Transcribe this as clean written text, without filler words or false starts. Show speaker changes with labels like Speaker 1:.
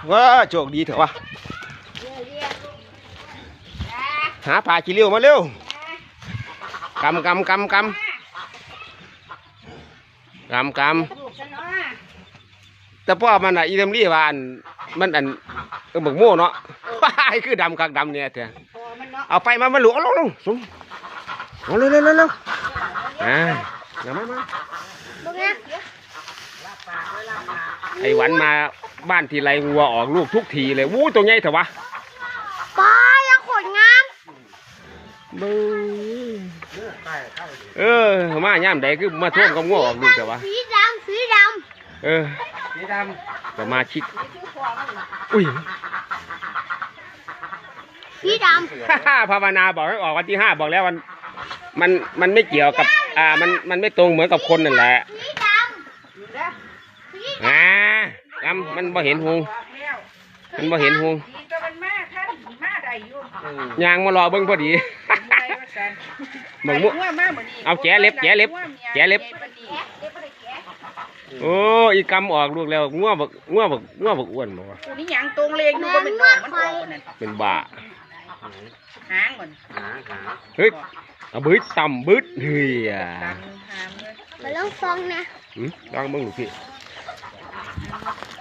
Speaker 1: ว้าโชคดีเถอะวะหาปลาขี้เลี้ยวมาเร็วกำแต่พ่อมันอ่ะอีเทมรี่ว่ามันบักโม่เนาะว้ายคือดำกักดำเนี่ยเถอะเอาไปมาหลวงลงสูงเอาเร็วมาไอ้หวันมาบ้านทีไรวัวออกลูกทุกทีเลยวู้ตัวใหญ่เถอะวะ
Speaker 2: ปลายังขนงาม
Speaker 1: มาย่ามใดคือมาท่วมกับงัวออกลูกเถอะวะ
Speaker 2: สีดำสี
Speaker 1: ดำก็มาชิดอุ้ย
Speaker 2: สีด
Speaker 1: ำภาวนาบอกให้ออกวันที่ 5บอกแล้วมันไม่เกี่ยวกับมันไม่ตรงเหมือนกับคนนั่นแหละ
Speaker 2: สีด
Speaker 1: ำมันบ่เห็นหงยางมารอเบิ้งพอดีบังมุเอาแกเล็บโอ้อีกำออกลูกแล้วงัวบักอ้วนบอกว่า
Speaker 3: นี่ยังตรงเลงดูก็เป็นดอกมันออกนั่น
Speaker 1: เป็นบ่า
Speaker 3: หางมัน
Speaker 1: เฮ้ยเอาบึ้ดต่ำบึ้ดเฮีย
Speaker 2: มาลองฟังนะ
Speaker 1: ลองเบิ้งดูพี่